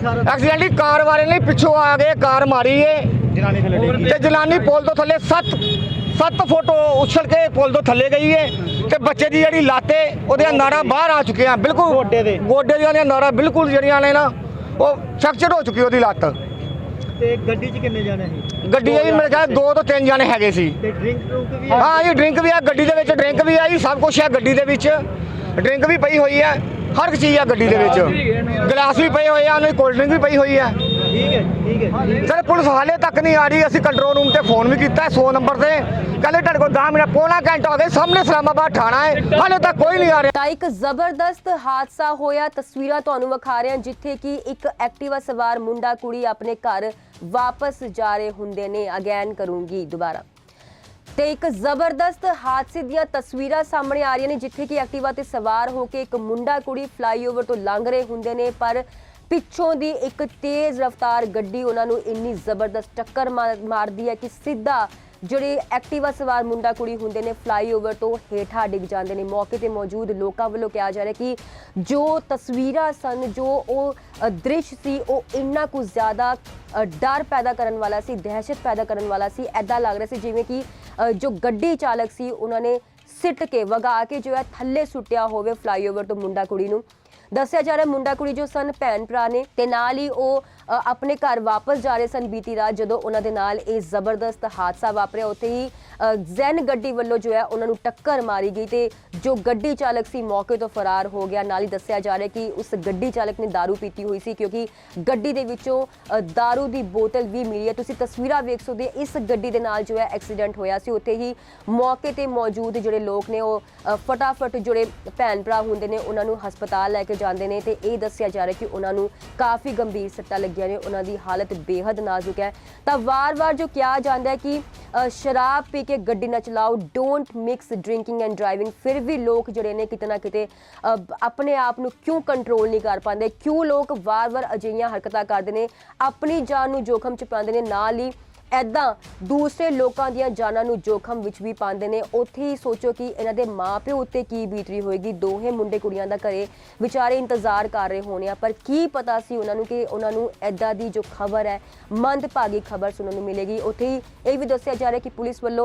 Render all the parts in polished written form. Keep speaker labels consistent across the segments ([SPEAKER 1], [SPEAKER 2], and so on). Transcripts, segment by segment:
[SPEAKER 1] Accident ही car वाले ने पिछों आ गए कार मारी है ते जनानी पुल तो थले 7 फुट उछल के पुल तो थले गई है ते बच्चे की जी लाते वो नाड़ा बाहर आ चुके हैं बिल्कुल गोडे दी नाड़ा बिल्कुल जड़िया ने ना वो फ्रैक्चर हो चुकी वो लत्त गड्डी मेरे ख्याल 2 तो 3 जाने है सी। हाँ जी ड्रिंक भी है गड्डी दे ड्रिंक भी है जी सब कुछ है गड्डी दे ड्रिंक भी पई हुई है हर एक चीज़ है गड्डी दे गिलास भी पे हुए हैं कोल्ड ड्रिंक भी पई हुई है। सर पुलिस हाले तक नहीं आ रही। असं कंट्रोल रूम से फोन भी किया 100 नंबर से कहते तेरे को 10 मिनट पौना घंटा हो गया सामने इस्लामाबाद थाना है हाले तक कोई नहीं आ रहा।
[SPEAKER 2] ਤਾਂ ਇੱਕ ਜ਼ਬਰਦਸਤ ਹਾਦਸਾ ਹੋਇਆ ਤਸਵੀਰਾਂ ਤੁਹਾਨੂੰ ਵਿਖਾ ਰਹੇ ਹਾਂ ਜਿੱਥੇ ਕਿ ਇੱਕ ਐਕਟਿਵਾ ਸਵਾਰ ਮੁੰਡਾ ਕੁੜੀ ਆਪਣੇ ਘਰ ਵਾਪਸ ਜਾ ਰਹੇ ਹੁੰਦੇ ਨੇ। ਅਗੇਨ ਕਰੂੰਗੀ ਦੁਬਾਰਾ ਤੇ ਇੱਕ ਜ਼ਬਰਦਸਤ ਹਾਦਸੇ ਦੀਆਂ ਤਸਵੀਰਾਂ ਸਾਹਮਣੇ ਆ ਰਹੀਆਂ ਨੇ ਜਿੱਥੇ ਕਿ ਐਕਟਿਵਾ ਤੇ ਸਵਾਰ ਹੋ ਕੇ ਇੱਕ ਮੁੰਡਾ ਕੁੜੀ ਫਲਾਈਓਵਰ ਤੋਂ ਲੰਘ ਰਹੇ ਹੁੰਦੇ ਨੇ ਪਰ ਪਿੱਛੋਂ ਦੀ ਇੱਕ ਤੇਜ਼ ਰਫ਼ਤਾਰ ਗੱਡੀ ਉਹਨਾਂ ਨੂੰ ਇੰਨੀ ਜ਼ਬਰਦਸਤ ਟੱਕਰ ਮਾਰਦੀ ਹੈ ਕਿ ਸਿੱਧਾ ਜਿਹੜੇ ਐਕਟਿਵਾ ਸਵਾਰ ਮੁੰਡਾ ਕੁੜੀ ਹੁੰਦੇ ਨੇ ਫਲਾਈਓਵਰ ਤੋਂ ਹੇਠਾਂ ਡਿੱਗ ਜਾਂਦੇ ਨੇ। ਮੌਕੇ ਤੇ ਮੌਜੂਦ ਲੋਕਾਂ ਵੱਲੋਂ ਕਿਹਾ ਜਾ ਰਿਹਾ ਕਿ ਜੋ ਤਸਵੀਰਾਂ ਸਨ ਜੋ ਉਹ ਦ੍ਰਿਸ਼ ਸੀ ਉਹ ਇੰਨਾ ਕੁ ਜ਼ਿਆਦਾ ਡਰ ਪੈਦਾ ਕਰਨ ਵਾਲਾ ਸੀ ਦਹਿਸ਼ਤ ਪੈਦਾ ਕਰਨ ਵਾਲਾ ਸੀ। ਐਦਾਂ ਲੱਗ ਰਿਹਾ ਸੀ ਜਿਵੇਂ ਕਿ ਜੋ ਗੱਡੀ ਚਾਲਕ ਸੀ ਉਹਨਾਂ ਨੇ ਸਿੱਟ ਕੇ ਵਗਾ ਕੇ ਜੋ ਹੈ ਥੱਲੇ ਸੁੱਟਿਆ ਹੋਵੇ ਫਲਾਈਓਵਰ ਤੋਂ ਮੁੰਡਾ ਕੁੜੀ ਨੂੰ। ਦੱਸਿਆ ਜਾ ਰਿਹਾ ਮੁੰਡਾ ਕੁੜੀ ਜੋ ਸਨ ਭੈਣ ਭਰਾ ਨੇ ਤੇ ਨਾਲ ਹੀ ਉਹ ਆਪਣੇ ਘਰ ਵਾਪਸ ਜਾ ਰਹੇ ਸਨ ਬੀਤੀ ਰਾਤ ਜਦੋਂ ਉਹਨਾਂ ਦੇ ਨਾਲ ਇਹ ਜ਼ਬਰਦਸਤ ਹਾਦਸਾ ਵਾਪਰਿਆ। ਉੱਥੇ ਹੀ ਜ਼ੈਨ ਗੱਡੀ ਵੱਲੋਂ ਜੋ ਹੈ ਉਹਨਾਂ ਨੂੰ ਟੱਕਰ ਮਾਰੀ ਗਈ ਤੇ ਜੋ ਗੱਡੀ ਚਾਲਕ ਸੀ ਮੌਕੇ ਤੋਂ ਫਰਾਰ ਹੋ ਗਿਆ। ਨਾਲ ਹੀ ਦੱਸਿਆ ਜਾ ਰਿਹਾ ਕਿ ਉਸ ਗੱਡੀ ਚਾਲਕ ਨੇ ਦਾਰੂ ਪੀਤੀ ਹੋਈ ਸੀ ਕਿਉਂਕਿ ਗੱਡੀ ਦੇ ਵਿੱਚੋਂ ਦਾਰੂ ਦੀ ਬੋਤਲ ਵੀ ਮਿਲੀ ਹੈ। ਤੁਸੀਂ ਤਸਵੀਰਾਂ ਵੇਖ ਸਕਦੇ ਹੋ ਇਸ ਗੱਡੀ ਦੇ ਨਾਲ ਜੋ ਹੈ ਐਕਸੀਡੈਂਟ ਹੋਇਆ ਸੀ। ਉੱਥੇ ਹੀ ਮੌਕੇ ਤੇ ਮੌਜੂਦ ਜਿਹੜੇ ਲੋਕ ਨੇ ਉਹ ਫਟਾਫਟ ਜਿਹੜੇ ਭੈਣ ਭਰਾ ਹੁੰਦੇ ਨੇ ਉਹਨਾਂ ਨੂੰ ਹਸਪਤਾਲ ਲੈ ਕੇ ਜਾਂਦੇ ਨੇ ਤੇ ਇਹ ਦੱਸਿਆ ਜਾ ਰਿਹਾ ਕਿ ਉਹਨਾਂ ਨੂੰ ਕਾਫੀ ਗੰਭੀਰ ਸੱਟਾਂ ਲੱਗੀਆਂ ਨੇ ਉਹਨਾਂ ਦੀ ਹਾਲਤ ਬੇहद ਨਾਜ਼ੁਕ ਹੈ। ਤਾਂ ਵਾਰ-ਵਾਰ ਜੋ ਕਿਹਾ ਜਾਂਦਾ ਹੈ ਕਿ ਸ਼ਰਾਬ ਪੀ ਕੇ ਗੱਡੀ ਨਾ ਚਲਾਓ don't mix drinking and driving ਫਿਰ ਵੀ ਲੋਕ ਜਿਹੜੇ ਨੇ ਕਿਤੇ ਨਾ ਕਿਤੇ ਆਪਣੇ ਆਪ ਨੂੰ ਕਿਉਂ ਕੰਟਰੋਲ ਨਹੀਂ ਕਰ ਪਾਉਂਦੇ ਕਿਉਂ ਲੋਕ ਵਾਰ-ਵਾਰ ਅਜਿਹੀਆਂ ਹਰਕਤਾਂ ਕਰਦੇ ਨੇ ਆਪਣੀ ਜਾਨ ਨੂੰ ਜੋਖਮ 'ਚ ਪਾਉਂਦੇ ਨੇ ਨਾਲ ਹੀ ਐਦਾਂ ਦੂਸਰੇ ਲੋਕਾਂ ਦੀਆਂ ਜਾਨਾਂ ਨੂੰ ਜੋਖਮ ਵਿੱਚ ਵੀ ਪਾਉਂਦੇ ਨੇ। ਉੱਥੇ ਹੀ ਸੋਚੋ ਕਿ ਇਹਨਾਂ ਦੇ ਮਾਪਿਓ ਉੱਤੇ ਕੀ ਬੀਤ ਰਹੀ ਹੋਏਗੀ। ਦੋਹੇ ਮੁੰਡੇ ਕੁੜੀਆਂ ਦਾ ਘਰੇ ਵਿਚਾਰੇ ਇੰਤਜ਼ਾਰ ਕਰ ਰਹੇ ਹੋਣੇ ਆ ਪਰ ਕੀ ਪਤਾ ਸੀ ਉਹਨਾਂ ਨੂੰ ਕਿ ਉਹਨਾਂ ਨੂੰ ਐਦਾਂ ਦੀ ਜੋ ਖਬਰ ਹੈ ਮੰਦਭਾਗੀ ਖਬਰ ਸੁਣਨ ਨੂੰ ਮਿਲੇਗੀ। ਉੱਥੇ ਹੀ ਇਹ ਵੀ ਦੱਸਿਆ ਜਾ ਰਿਹਾ ਕਿ ਪੁਲਿਸ ਵੱਲੋਂ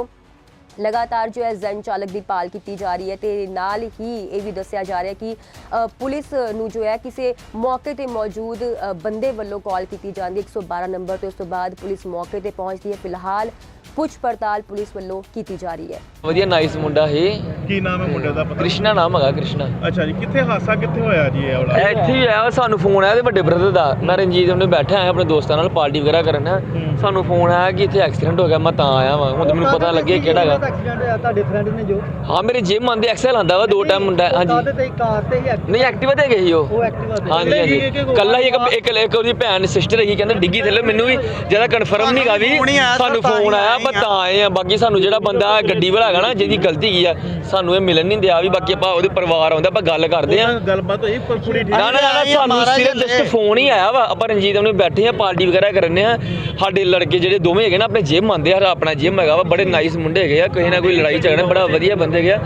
[SPEAKER 2] लगातार जो है जैन चालक की भाल की जा रही है तो नाल ही ये भी दसिया जा रहा है कि पुलिस नू जो है किसी मौके पर मौजूद बंदे वालों कॉल की जाती है 112 नंबर तो उस तो बाद पुलिस मौके पर पहुँचती है। फिलहाल पुछ पड़ताल पुलिस वालों की जा रही है।
[SPEAKER 3] ਵਧੀਆ ਨਾਈਸ ਮੁੰਡਾ ਹੈ।
[SPEAKER 4] ਕੀ ਨਾਮ ਹੈ ਮੁੰਡੇ ਦਾ ਪਤਾ?
[SPEAKER 3] ਕ੍ਰਿਸ਼ਨਾ ਨਾਮ ਹੈਗਾ ਕ੍ਰਿਸ਼ਨਾ।
[SPEAKER 4] ਅੱਛਾ ਜੀ ਕਿੱਥੇ ਹਾਦਸਾ ਕਿੱਥੇ ਹੋਇਆ ਜੀ ਇਹ ਵਾਲਾ?
[SPEAKER 3] ਇੱਥੇ ਹੀ ਆਇਆ ਸਾਨੂੰ ਫੋਨ ਆਇਆ ਤੇ ਵੱਡੇ ਬ੍ਰਦਰ ਦਾ ਮੈਂ ਰਣਜੀਤ ਉਹਨੇ ਬੈਠਾ ਆਇਆ ਆਪਣੇ ਦੋਸਤਾਂ ਨਾਲ ਪਾਰਟੀ ਵਗੈਰਾ ਕਰਨ ਸਾਨੂੰ ਫੋਨ ਆਇਆ ਕਿ ਇੱਥੇ ਐਕਸੀਡੈਂਟ ਹੋ ਗਿਆ ਮੈਂ ਤਾਂ ਆਇਆ ਵਾਂ ਹੁਣ ਮੈਨੂੰ ਪਤਾ ਲੱਗਿਆ ਕਿਹੜਾ ਹੈਗਾ।
[SPEAKER 5] ਐਕਸੀਡੈਂਟ ਹੋਇਆ ਤੁਹਾਡੇ ਫਰੈਂਡ ਨੇ ਜੋ?
[SPEAKER 3] ਹਾਂ ਮੇਰੇ ਜਿਮ ਆਂਦੇ ਐਕਸਲ ਆਂਦਾ ਵਾ 2 ਟਾਈਮ ਮੁੰਡਾ। ਹਾਂਜੀ
[SPEAKER 5] ਤੇ ਕਾਰ ਤੇ ਹੀ
[SPEAKER 3] ਨਹੀਂ ਐਕਟਿਵਾ ਤੇ ਗਏ ਸੀ
[SPEAKER 5] ਉਹ ਐਕਟਿਵਾ ਤੇ।
[SPEAKER 3] ਹਾਂਜੀ ਹਾਂਜੀ ਕੱਲਾ ਹੀ ਇੱਕ ਉਹਦੀ ਭੈਣ ਸਿਸਟਰ ਹੈਗੀ ਕਹਿੰਦੇ ਡਿੱਗੀ ਥੱਲੇ ਮੈਨੂੰ ਵੀ ਜ਼ਿਆਦਾ ਕਨਫਰਮ ਨਹੀਂ ਗਾ ਵੀ ਸਾਨੂੰ ਫੋਨ ਆਇਆ ਮੈਂ ਤਾਂ ਆਏ ਆ। ਬਾਕੀ ਸਾਨੂੰ ਜਿਹੜਾ ਬੰਦਾ ਗੱਡੀ ਵਾਲਾ ਹੈਗਾ ਨਾ ਜਿਹਦੀ ਗਲਤੀ ਕੀ ਆ ਸਾਨੂੰ ਇਹ ਮਿਲਣ ਨਹੀਂ ਦਿਆ ਵੀ ਬਾਕੀ ਆਪਾਂ ਉਹਦੇ ਪਰਿਵਾਰ ਆਉਂਦਾ ਆਪਾਂ ਗੱਲ ਕਰਦੇ ਆ
[SPEAKER 4] ਗੱਲਬਾਤ ਹੋਈ ਪੂਰੀ
[SPEAKER 3] ਨਾ ਸਾਨੂੰ ਸਿਰਫ ਜਸਟ ਫੋਨ ਹੀ ਆਇਆ ਵਾ ਆਪਾਂ ਰਣਜੀਤ ਉਹਨੇ ਬੈਠੇ ਆ ਪਾਰਟੀ ਵਗੈਰਾ ਕਰਨੇ ਆ। ਸਾਡੇ ਲੜਕੇ ਜਿਹੜੇ ਦੋਵੇਂ ਹੈਗੇ ਨਾ ਆਪਣੇ ਜਿਮ ਆਉਂਦੇ ਆ ਆਪਣਾ ਜਿਮ ਹੈਗਾ ਵਾ ਬੜੇ ਨਾਈਸ ਮੁੰਡੇ ਹੈਗੇ ਆ ਕਿਸੇ ਨਾ ਕੋਈ ਲੜਾਈ ਝਗੜਾ ਬੜਾ ਵਧੀਆ ਬੰਦੇ ਹੈਗੇ ਆ।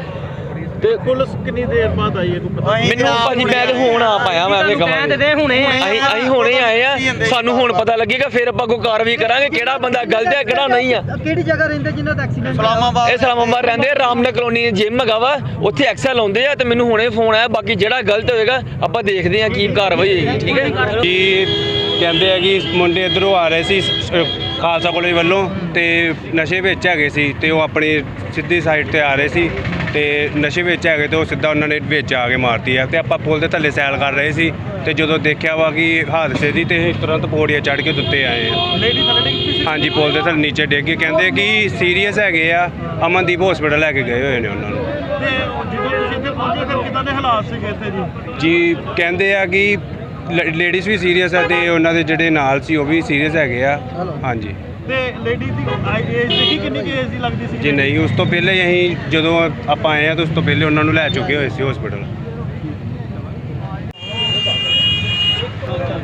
[SPEAKER 3] ਤੇ
[SPEAKER 4] ਪੁਲਿਸ ਕਿੰਨੀ ਦੇਰ ਬਾਅਦ ਆਈ ਹੈ ਕੋਈ ਪਤਾ?
[SPEAKER 3] ਮੈਨੂੰ ਭਾਜੀ ਮੈਂ ਤੇ ਹੁਣ ਆ ਪਾਇਆ ਮੈਂ ਇਹ ਕਹਾਂਗਾ ਅਸੀਂ ਹੁਣੇ ਆਏ ਆ ਸਾਨੂੰ ਹੁਣ ਪਤਾ ਲੱਗੇਗਾ ਫਿਰ ਆਪਾਂ ਕੋਈ ਕਾਰਵਾਈ ਕਰਾਂਗੇ ਕਿਹੜਾ ਬੰਦਾ ਗਲਤ ਹੈ ਕਿਹੜਾ ਨਹੀਂ ਆ।
[SPEAKER 5] ਕਿਹੜੀ ਜਗ੍ਹਾ ਰਹਿੰਦੇ ਜਿਨ੍ਹਾਂ ਦਾ ਐਕਸੀਡੈਂਟ?
[SPEAKER 3] ਇਹ ਇਸਲਾਮਾਬਾਦ ਰਹਿੰਦੇ ਰਾਮਨਗਰ ਕਲੋਨੀ ਜਿਮ ਹੈਗਾ ਵਾ ਉੱਥੇ ਐਕਸਲ ਲਾਉਂਦੇ ਆ ਤੇ ਮੈਨੂੰ ਹੁਣੇ ਫੋਨ ਆਇਆ ਬਾਕੀ ਜਿਹੜਾ ਗਲਤ ਹੋਏਗਾ ਆਪਾਂ ਦੇਖਦੇ ਆ ਕੀ ਕਾਰਵਾਈ ਹੋਏਗੀ। ਠੀਕ ਹੈ
[SPEAKER 6] ਜੀ ਕਹਿੰਦੇ ਆ ਕਿ ਮੁੰਡੇ ਇੱਧਰੋਂ ਆ ਰਹੇ ਸੀ ਖਾਲਸਾ ਕਾਲਜ ਵੱਲੋਂ ਤੇ ਨਸ਼ੇ ਵਿੱਚ ਹੈਗੇ ਸੀ ਤੇ ਉਹ ਆਪਣੀ ਸਿੱਧੀ ਸਾਈਡ ਤੇ ਆ ਰਹੇ ਸੀ ਤੇ ਨਸ਼ੇ ਵਿੱਚ ਹੈਗੇ ਤੇ ਉਹ ਸਿੱਧਾ ਉਹਨਾਂ ਨੇ ਵਿੱਚ ਆ ਕੇ ਮਾਰਤੀ ਆ ਤੇ ਆਪਾਂ ਪੁਲ ਦੇ ਥੱਲੇ ਸੈਲ ਕਰ ਰਹੇ ਸੀ ਤੇ ਜਦੋਂ ਦੇਖਿਆ ਵਾ ਕਿ ਹਾਦਸੇ ਦੀ ਤੇ ਤੁਰੰਤ ਪੌੜੀਆਂ ਚੜ੍ਹ ਕੇ ਉੱਤੇ ਆਏ ਆ।
[SPEAKER 4] ਲੇਡੀ ਥੱਲੇ ਡਿੱਗੀ?
[SPEAKER 6] ਹਾਂਜੀ ਪੁਲ ਦੇ ਥੱਲੇ ਨੀਚੇ ਡਿੱਗ ਕੇ ਕਹਿੰਦੇ ਕਿ ਸੀਰੀਅਸ ਹੈਗੇ ਆ ਅਮਨਦੀਪ ਹਸਪੀਟਲ ਲੈ ਕੇ ਗਏ ਹੋਏ ਨੇ ਉਹਨਾਂ ਨੂੰ।
[SPEAKER 4] ਤੇ ਜਦੋਂ ਤੁਸੀਂ ਇੱਥੇ ਪਹੁੰਚੇ ਫਿਰ ਕਿੱਦਾਂ ਦੇ ਹਾਲਾਤ ਸੀਗੇ ਇੱਥੇ ਜੀ?
[SPEAKER 6] ਜੀ ਕਹਿੰਦੇ ਆ ਕਿ ਲੇਡੀਜ਼ ਵੀ ਸੀਰੀਅਸ ਆ ਤੇ ਉਹਨਾਂ ਦੇ ਜਿਹੜੇ ਨਾਲ ਸੀ ਉਹ ਵੀ ਸੀਰੀਅਸ ਹੈਗੇ ਆ। ਹਾਂਜੀ
[SPEAKER 4] ਤੇ ਲੇਡੀ ਦੀ ਏਜ ਦੇਖੀ ਕਿੰਨੀ ਏਜ ਦੀ ਲੱਗਦੀ ਸੀ?
[SPEAKER 6] ਜੀ ਨਹੀਂ ਉਸ ਤੋਂ ਪਹਿਲੇ ਹੀ ਅਸੀਂ ਜਦੋਂ ਆਪਾਂ ਆਏ ਆ ਤਾਂ ਉਸ ਤੋਂ ਪਹਿਲੇ ਉਹਨਾਂ ਨੂੰ ਲੈ ਚੁੱਕੇ ਹੋਏ ਸੀ ਹਸਪੀਟਲ।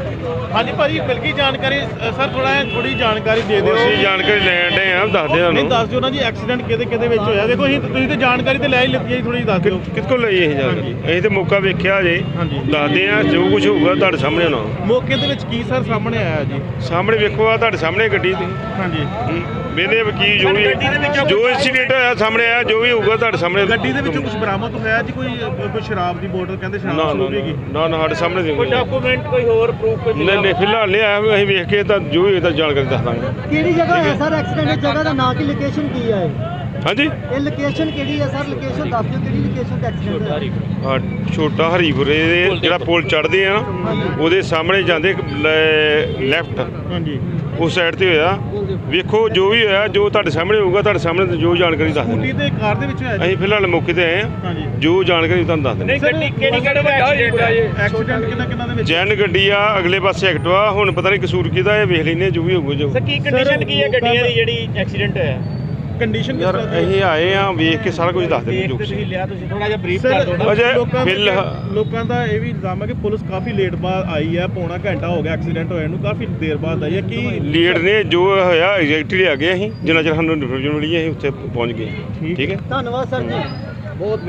[SPEAKER 4] ਹਾਂਜੀ ਭਾਜੀ ਮਿਲ ਗਈ ਜਾਣਕਾਰੀ ਸਰ ਥੋੜੀ ਜਾਣਕਾਰੀ ਦੇ ਦਿਓ
[SPEAKER 7] ਅਸੀਂ ਜਾਣਕਾਰੀ ਲੈਣ ਦੇ ਆ ਦੱਸਦੇ
[SPEAKER 4] ਨਹੀਂ
[SPEAKER 7] ਤੁਹਾਨੂੰ
[SPEAKER 4] ਦੱਸ ਦਿਓ ਨਾ ਜੀ ਐਕਸੀਡੈਂਟ ਕਿਹਦੇ ਵਿੱਚ ਹੋਇਆ ਦੇਖੋ ਤੁਸੀਂ ਤੇ ਜਾਣਕਾਰੀ ਤੇ ਲੈ ਹੀ ਲਿੱਤੀ ਹੈ ਥੋੜੀ ਦੱਸ ਦਿਓ
[SPEAKER 7] ਕਿੱਥੋਂ ਲਈ ਇਹ ਜਾਣਕਾਰੀ ਅਸੀਂ ਤੇ ਮੌਕਾ ਵੇਖਿਆ ਜੇ
[SPEAKER 4] ਹਾਂਜੀ।
[SPEAKER 7] ਦੱਸਦੇ ਆ ਜੋ ਕੁਝ ਹੋਊਗਾ ਤੁਹਾਡੇ ਸਾਹਮਣੇ ਹੋਣਾ
[SPEAKER 4] ਮੌਕੇ ਦੇ ਵਿੱਚ ਕੀ ਸਰ ਸਾਹਮਣੇ ਆਇਆ ਜੀ
[SPEAKER 7] ਸਾਹਮਣੇ ਵੇਖੋ ਆ ਤੁਹਾਡੇ ਸਾਹਮਣੇ ਗੱਡੀ ਦੀ
[SPEAKER 4] ਹਾਂਜੀ
[SPEAKER 7] ਵੇਲੇ ਵਕੀਲ ਜੋ ਵੀ ਜੋ ਇੰਸੀਡੈਂਟ ਹੋਇਆ ਸਾਹਮਣੇ ਆਇਆ ਜੋ ਵੀ ਹੋਊਗਾ ਤੁਹਾਡੇ ਸਾਹਮਣੇ
[SPEAKER 4] ਗੱਡੀ ਦੇ ਵਿੱਚੋਂ ਕੁਝ ਬਰਾਮਦ ਹੋਇਆ ਜੀ ਕੋਈ ਸ਼ਰਾਬ ਦੀ ਬੋਤਲ ਕਹਿੰਦੇ
[SPEAKER 7] ਨਾ
[SPEAKER 4] ਸ਼ਰਾਬ
[SPEAKER 7] ਨਾ
[SPEAKER 4] ਸ਼ੁਰੂ ਹੈਗੀ
[SPEAKER 7] ਨਾ ਨਾ ਸਾਡੇ ਸਾਹਮਣੇ ਦੇ
[SPEAKER 4] ਡਾਕੂਮੈਂਟ ਕੋਈ ਹੋਰ ਪ੍ਰੂਫ
[SPEAKER 7] ਨਹੀਂ ਫਿਲਹਾਲ ਨਹੀਂ ਆਇਆ ਅਸੀਂ ਵੇਖ ਕੇ ਤਾਂ ਜੋ ਵੀ ਹੋਏਗਾ ਜਾਣਕਾਰੀ ਦੱਸ ਦਾਂਗੇ
[SPEAKER 5] ਕਿਹੜੀ ਜਗ੍ਹਾ ਹੈ ਸਰ ਐਕਸੀਡੈਂਟ ਦੀ ਜਗ੍ਹਾ ਦਾ ਨਾਂ ਕੀ ਲੋਕੇਸ਼ਨ ਕੀ ਹੈ
[SPEAKER 7] ਹਾਂਜੀ
[SPEAKER 5] ਇਹ ਲੋਕੇਸ਼ਨ ਕਿਹੜੀ ਹੈ ਸਰ ਲੋਕੇਸ਼ਨ ਦੱਸ ਦਿਓ ਕਿਹੜੀ ਲੋਕੇਸ਼ਨ ਤੇ ਐਕਸੀਡੈਂਟ ਹੋਇਆ
[SPEAKER 7] ਆਹ ਛੋਟਾ ਹਰੀਪੁਰੇ ਦੇ ਜਿਹੜਾ ਪੁਲ ਚੜ੍ਹਦੇ ਆ ਨਾ ਉਹਦੇ ਸਾਹਮਣੇ ਜਾਂਦੇ ਲੈਫਟ
[SPEAKER 4] ਹਾਂਜੀ
[SPEAKER 7] ਉਸ ਸਾਈਡ ਤੇ ਹੋਇਆ ਵੇਖੋ ਜੋ ਵੀ ਹੋਇਆ ਜੋ ਤੁਹਾਡੇ ਸਾਹਮਣੇ ਹੋਊਗਾ ਤੁਹਾਡੇ ਸਾਹਮਣੇ ਜੋ ਜਾਣਕਾਰੀ ਦੱਸ
[SPEAKER 4] ਸਕੂਟੀ
[SPEAKER 7] ਦਿੰਦੇ
[SPEAKER 4] ਤੇ ਕਾਰ ਦੇ ਵਿੱਚ ਹੋਇਆ ਜੀ
[SPEAKER 7] ਅਸੀਂ ਫਿਲਹਾਲ ਮੌਕੇ ਤੇ ਆਏ ਆ
[SPEAKER 4] ਹਾਂਜੀ
[SPEAKER 7] ਜੋ ਜਾਣਕਾਰੀ ਤੁਹਾਨੂੰ ਦੱਸ ਦਿੰਦੇ
[SPEAKER 4] ਗੱਡੀ ਕਿਹੜੀ ਵੱਡਾ ਐਕਸੀਡੈਂਟ ਕਿੰਨਾ ਦੇ ਵਿੱਚ
[SPEAKER 7] ਜੈਨ ਗੱਡੀ ਆ ਅਗਲੇ ਪਾਸੇ ਐਕਟਵਾ ਹੁਣ ਪਤਾ ਨਹੀਂ ਕਸੂਰ ਕਿਹਦਾ ਇਹ ਵੇਖ ਲੈਨੇ ਜੋ ਵੀ ਹੋਊਗਾ ਜੋ
[SPEAKER 4] ਕੀ ਕੰਡੀਸ਼ਨ ਕੀ ਹੈ ਗੱਡੀਆਂ ਦੀ ਜਿਹੜੀ ਐਕਸੀਡੈਂਟ ਹੋਇਆ ਕੰਡੀਸ਼ਨ
[SPEAKER 7] ਯਾਰ ਅਸੀਂ ਆਏ ਆ ਵੇਖ ਕੇ ਸਾਰਾ ਕੁਝ ਦੱਸ ਦਿੰਦੇ ਜੋ ਕੁਛ।
[SPEAKER 4] ਲਿਆ ਤੁਸੀਂ ਥੋੜਾ ਜਿਹਾ ਬਰੀਫ ਕਰ ਦਿਓ
[SPEAKER 7] ਅਜੇ
[SPEAKER 4] ਲੋਕਾਂ ਦਾ ਇਹ ਵੀ ਇਲਜ਼ਾਮ ਹੈ ਕਿ ਪੁਲਿਸ ਕਾਫੀ ਲੇਟ ਬਾਅਦ ਆਈ ਹੈ ਪੌਣਾ ਘੰਟਾ ਹੋ ਗਿਆ ਐਕਸੀਡੈਂਟ ਹੋਇਆ ਨੂੰ ਕਾਫੀ ਦੇਰ ਬਾਅਦ ਆਈ ਹੈ ਕੀ
[SPEAKER 7] ਲੀਡ ਨੇ ਜੋ ਹੋਇਆ ਐਗਜ਼ੈਕਟਲੀ ਆ ਗਏ ਅਸੀਂ ਜਿੰਨਾ ਚਿਰ ਸਾਨੂੰ ਇਨਫੋਰਮੇਸ਼ਨ ਮਿਲੀ ਅਸੀਂ ਉੱਥੇ ਪਹੁੰਚ ਗਏ ਠੀਕ ਹੈ
[SPEAKER 5] ਧੰਨਵਾਦ ਸਰ ਜੀ ਬਹੁਤ